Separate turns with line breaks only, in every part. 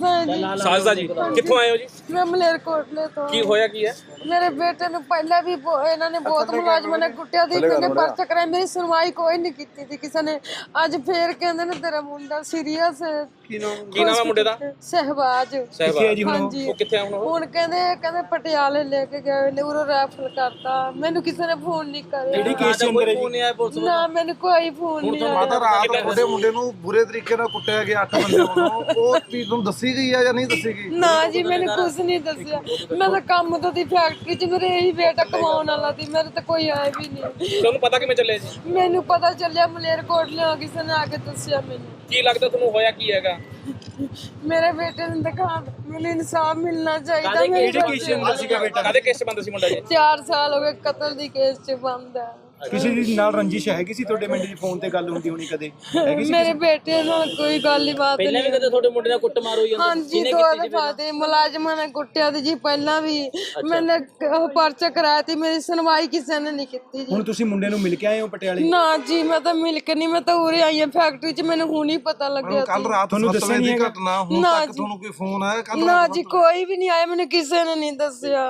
ਸਾਜਦਾ ਜੀ ਕਿੱਥੋਂ ਆਏ ਹੋ ਜੀ?
मैं मलेरकोटले तो।
ਕੀ ਹੋਇਆ ਕੀ ਹੈ?
मेरे बेटे ने पहले भी इन्होंने बहुत मुलाजमान ने कुटिया दी, मैंने पर्चा कराया, मेरी सुनवाई कोई नहीं की थी किसी ने। अज फिर कहते ने तेरा मुंडा सीरियस है।
ਕੀ ਨਾਮ ਹੈ ਮੁੰਡੇ ਦਾ?
सहबाज। हाँ जी।
ਉਹ ਕਿੱਥੇ ਆ ਹੁਣ?
ਹੁਣ ਕਹਿੰਦੇ ਪਟਿਆਲੇ ਲੈ ਕੇ ਗਏ ਨੇ, ਉਰੋਂ ਰੈਫਰ ਕਰਤਾ। ਮੈਨੂੰ ਕਿਸੇ ਨੇ ਫੋਨ ਨਹੀਂ ਕਰਿਆ।
ਕਿਹੜੀ ਕੇਸ ਚ ਅੰਦਰ ਹੈ ਜੀ?
ਨਾ ਮੈਨੂੰ ਕੋਈ ਫੋਨ ਨਹੀਂ ਆਇਆ।
ਮਾਤਾ ਰਾਤ ਤੁਹਾਡੇ ਮੁੰਡੇ ਨੂੰ ਬੁਰੇ ਤਰੀਕੇ ਨਾਲ ਕੁੱਟਿਆ ਗਿਆ 8 ਬੰਦੇ ਵੱਲੋਂ, ਉਹ ਚੀਜ਼ ਤੁਹਾਨੂੰ ਦੱਸੀ ਗਈ ਆ ਜਾਂ ਨਹੀਂ ਦੱਸੀ ਗਈ?
ਨਾ ਜੀ ਮੈਨੂੰ ਕੁਝ ਨਹੀਂ ਦੱਸਿਆ। ਮੈਂ ਤਾਂ ਕੰਮ ਤੋਂ ਦੀ ਫੈਕਟਰੀ 'ਚ, ਮੇਰੇ ਇਹੀ ਬੇਟਾ ਕਮਾਉਣ ਵਾਲਾ ਸੀ, ਮੇਰੇ ਤਾਂ ਕੋਈ ਆਇਆ ਵੀ ਨਹੀਂ।
ਤੁਹਾਨੂੰ ਪਤਾ ਕਿਵੇਂ ਚੱਲਿਆ ਜੀ?
ਮੈਨੂੰ ਪਤਾ ਚੱਲਿਆ ਮਲੇਰਕੋਟਲੇ ਕਿਸੇ ਨੇ ਆ ਕੇ ਦੱਸਿਆ ਮੈਨੂੰ।
ਕੀ ਲੱਗਦਾ ਤੁਹਾਨੂੰ ਹੋਇਆ ਕੀ ਹੈਗਾ?
ਮੇਰੇ ਬੇਟੇ ਨੂੰ ਦਿਖਾ, ਮੈਨੂੰ ਇਨਸਾਫ ਮਿਲਣਾ ਚਾਹੀਦਾ।
ਕਿਹੜੇ ਕੇਸ ਚ ਅੰਦਰ ਸੀਗਾ ਬੇਟਾ?
ਕਾਹਦੇ ਕੇਸ 'ਚ ਬੰਦ ਸੀ ਮੁੰਡਾ ਜੀ?
4 ਸਾਲ ਹੋ ਗਏ ਕਤਲ ਦੀ ਕੇਸ 'ਚ ਬੰਦ ਹੈ।
ਕਿਸੇ ਦੀ ਨਾਲ ਰੰਜਿਸ਼ ਹੈਗੀ ਸੀ ਤੁਹਾਡੇ ਮਿੰਟ ਦੀ ਫੋਨ ਤੇ ਗੱਲ ਹੁੰਦੀ ਹੋਣੀ ਕਦੇ? ਹੈਗੀ ਸੀ?
ਮੇਰੇ ਬੇਟੇ ਨਾਲ ਕੋਈ ਗੱਲ ਹੀ ਬਾਤ
ਪਹਿਲਾਂ ਵੀ ਕਦੇ ਤੁਹਾਡੇ ਮੁੰਡੇ ਨਾਲ ਕੁੱਟ ਮਾਰ ਹੋਈ?
ਹਾਂਜੀ 2 ਦਫਾ ਤੇ ਮੁਲਾਜ਼ਮਾਂ ਨੇ ਕੁੱਟਿਆ ਤੇ ਜੀ। ਪਹਿਲਾਂ ਵੀ ਮੈंने ਪਰਚਾ ਕਰਾਇਆ ਤੇ ਮੇਰੀ ਸੁਣਵਾਈ ਕਿਸੇ ਨੇ ਨਹੀਂ ਕੀਤੀ ਜੀ।
ਹੁਣ ਤੁਸੀਂ ਮੁੰਡੇ ਨੂੰ ਮਿਲ ਕੇ ਆਏ ਹੋ ਪਟਿਆਲੇ?
ਨਾ ਜੀ ਮੈਂ ਤਾਂ ਮਿਲ ਕੇ ਨਹੀਂ, ਮੈਂ ਤਾਂ ਉਰੇ ਆਈ ਹਾਂ ਫੈਕਟਰੀ 'ਚ, ਮੈਨੂੰ ਹੁਣ ਹੀ ਪਤਾ ਲੱਗਿਆ
ਕੱਲ ਰਾਤ
ਤੁਹਾਨੂੰ ਦੱਸਿਆ ਨਹੀਂ ਹੈਗਾ?
ਘਟਨਾ ਹੁਣ
ਨਾ
ਤੱਕ
ਜੀ।
ਤੁਹਾਨੂੰ ਕੋਈ ਫੋਨ ਆਇਆ? ਕੱਲ
ਨਾ ਜੀ ਕੋਈ ਵੀ ਨਹੀਂ ਆਇਆ, ਮੈਨੂੰ ਕਿਸੇ ਨੇ ਨਹੀਂ ਦੱਸਿਆ।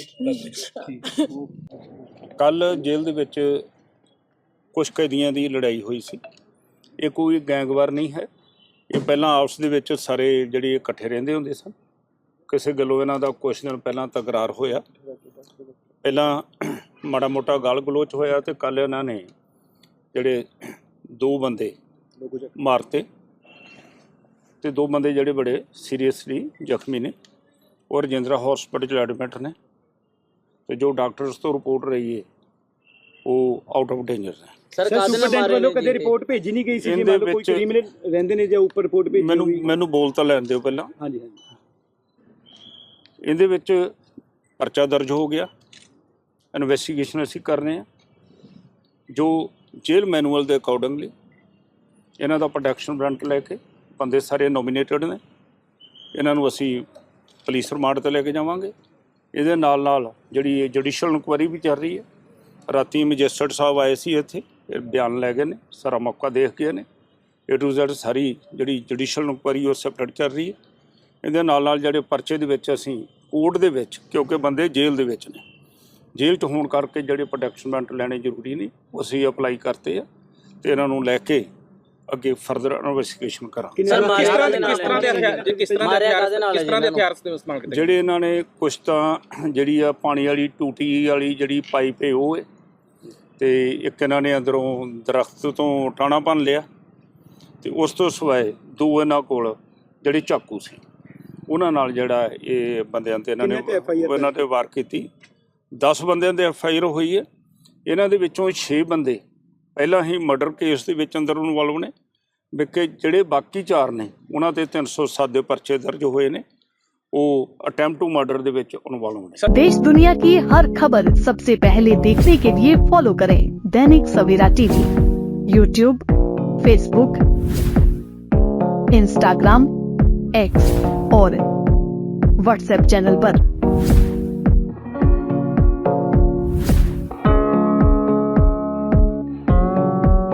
ਕੱਲ ਜੇਲ੍ਹ ਦੇ ਵਿੱਚ ਕੁਝ ਕੈਦੀਆਂ ਦੀ ਲੜਾਈ ਹੋਈ ਸੀ। ਇਹ ਕੋਈ ਗੈਂਗਵਾਰ ਨਹੀਂ ਹੈ, ਇਹ ਪਹਿਲਾਂ ਆਪਸ ਦੇ ਵਿੱਚ ਸਾਰੇ ਜਿਹੜੇ ਇਕੱਠੇ ਰਹਿੰਦੇ ਹੁੰਦੇ ਸਨ। ਕਿਸੇ ਗੱਲੋਂ ਇਹਨਾਂ ਦਾ ਕੁਝ ਦਿਨ ਪਹਿਲਾਂ ਤਕਰਾਰ ਹੋਇਆ, ਪਹਿਲਾਂ ਮਾੜਾ ਮੋਟਾ ਗਾਲ ਗਲੋਚ ਹੋਇਆ ਤੇ ਕੱਲ ਇਹਨਾਂ ਨੇ ਜਿਹੜੇ 2 ਬੰਦੇ ਮਾਰਤੇ ਤੇ 2 ਬੰਦੇ ਜਿਹੜੇ ਬੜੇ ਸੀਰੀਅਸਲੀ ਜ਼ਖਮੀ ਨੇ ਔਰ ਰਜਿੰਦਰਾ ਹਸਪੀਟਲ ਐਡਮਿਟ ਨੇ ਤੇ ਜੋ ਡਾਕਟਰਸ ਤੋਂ ਰਿਪੋਰਟ ਰਹੀ ਹੈ ਉਹ ਆਊਟ ਆਫ ਡੇਂਜਰ ਹੈ।
ਸਰ
ਸੁਪਰਡੈਂਟ ਵੱਲੋਂ ਕਦੇ ਰਿਪੋਰਟ ਭੇਜੀ ਨਹੀਂ ਗਈ ਸੀ ਕਿ ਮਤਲਬ ਕੋਈ ਕ੍ਰਿਮੀਨਲ ਰਹਿੰਦੇ ਨੇ ਜਾਂ ਉੱਪਰ ਰਿਪੋਰਟ ਭੇਜੀ?
ਮੈਨੂੰ ਬੋਲ ਤਾਂ ਲੈਣ ਦਿਓ ਪਹਿਲਾਂ।
ਹਾਂਜੀ ਹਾਂਜੀ।
ਇਹਦੇ ਵਿੱਚ ਪਰਚਾ ਦਰਜ ਹੋ ਗਿਆ, ਇਨਵੈਸਟੀਗੇਸ਼ਨ ਅਸੀਂ ਕਰ ਰਹੇ ਹਾਂ। ਜੋ ਜੇਲ੍ਹ ਮੈਨੂਅਲ ਦੇ ਅਕੋਰਡਿੰਗਲੀ ਇਹਨਾਂ ਦਾ ਪ੍ਰੋਟੈਕਸ਼ਨ ਵਾਰੰਟ ਲੈ ਕੇ ਬੰਦੇ ਸਾਰੇ ਨੋਮੀਨੇਟਡ ਨੇ, ਇਹਨਾਂ ਨੂੰ ਅਸੀਂ ਪੁਲਿਸ ਰਿਮਾਂਡ 'ਤੇ ਲੈ ਕੇ ਜਾਵਾਂਗੇ। ਇਹਦੇ ਨਾਲ ਨਾਲ ਜਿਹੜੀ ਜੁਡੀਸ਼ੀਅਲ ਇਨਕੁਆਇਰੀ ਵੀ ਚੱਲ ਰਹੀ ਹੈ। ਰਾਤੀ ਮੈਜਿਸਟਰੇਟ ਸਾਹਿਬ ਆਏ ਸੀ ਇੱਥੇ, ਬਿਆਨ ਲੈ ਗਏ ਨੇ, ਸਾਰਾ ਮੌਕਾ ਦੇਖ ਗਏ ਨੇ। A to Z ਸਾਰੀ ਜਿਹੜੀ ਜੁਡੀਸ਼ੀਅਲ ਇਨਕੁਆਇਰੀ ਉਹ ਸੈਪਰੇਟ ਚੱਲ ਰਹੀ ਹੈ। ਇਹਦੇ ਨਾਲ ਨਾਲ ਜਿਹੜੇ ਪਰਚੇ ਦੇ ਵਿੱਚ ਅਸੀਂ ਕੋਰਟ ਦੇ ਵਿੱਚ, ਕਿਉਂਕਿ ਬੰਦੇ ਜੇਲ੍ਹ ਦੇ ਵਿੱਚ ਨੇ, ਜੇਲ੍ਹ 'ਚ ਹੋਣ ਕਰਕੇ ਜਿਹੜੇ ਪ੍ਰੋਟੈਕਸ਼ਨ ਵਾਰੰਟ ਲੈਣੇ ਜ਼ਰੂਰੀ ਨਹੀਂ, ਉਹ ਅਸੀਂ ਅਪਲਾਈ ਕਰਤੇ ਆ ਤੇ ਇਹਨਾਂ ਨੂੰ ਲੈ ਕੇ ਅੱਗੇ ਫਰਦਰ ਇਨਵੈਸਟੀਗੇਸ਼ਨ ਕਰਾਂਗੇ।
ਸਰ
ਕਿਸ ਤਰ੍ਹਾਂ ਦੇ ਹਥਿਆਰ ਇਸਤੇਮਾਲ ਕੀਤੇ?
ਜਿਹੜੇ ਇਹਨਾਂ ਨੇ ਕੁਛ ਤਾਂ ਜਿਹੜੀ ਆ ਪਾਣੀ ਵਾਲੀ ਟੂਟੀ ਵਾਲੀ ਜਿਹੜੀ ਪਾਈਪ ਹੈ ਉਹ ਹੈ, ਤੇ ਇੱਕ ਇਹਨਾਂ ਨੇ ਅੰਦਰੋਂ ਦਰਖਤ ਤੋਂ ਟਾਣਾ ਭੰਨ ਲਿਆ, ਤੇ ਉਸ ਤੋਂ ਸਿਵਾਏ 2 ਇਹਨਾਂ ਕੋਲ ਜਿਹੜੇ ਚਾਕੂ ਸੀ ਉਹਨਾਂ ਨਾਲ ਜਿਹੜਾ ਇਹ ਬੰਦਿਆਂ ਤੇ ਇਹਨਾਂ ਨੇ ਵਾਰ ਕੀਤੀ। 10 ਬੰਦਿਆਂ ਦੇ FIR ਹੋਈ ਹੈ। ਇਹਨਾਂ ਦੇ ਵਿੱਚੋਂ 6 ਬੰਦੇ ਪਹਿਲਾਂ ਹੀ ਮਰਡਰ ਕੇਸ ਦੇ ਵਿੱਚ ਅੰਦਰ ਇਨਵੋਲਵ ਨੇ, ਵਿਕੇ ਜਿਹੜੇ ਬਾਕੀ 4 ਨੇ ਉਹਨਾਂ ਤੇ 307 ਦੇ ਪਰਚੇ ਦਰਜ ਹੋਏ ਨੇ, ਉਹ अटेम्प्ट टू मर्डर ਦੇ ਵਿੱਚ इन्वॉल्व ਨੇ।
देश दुनिया की हर खबर सबसे पहले देखने के लिए फॉलो करें Dainik Savera TV, YouTube, Facebook, Instagram, X और WhatsApp चैनल पर।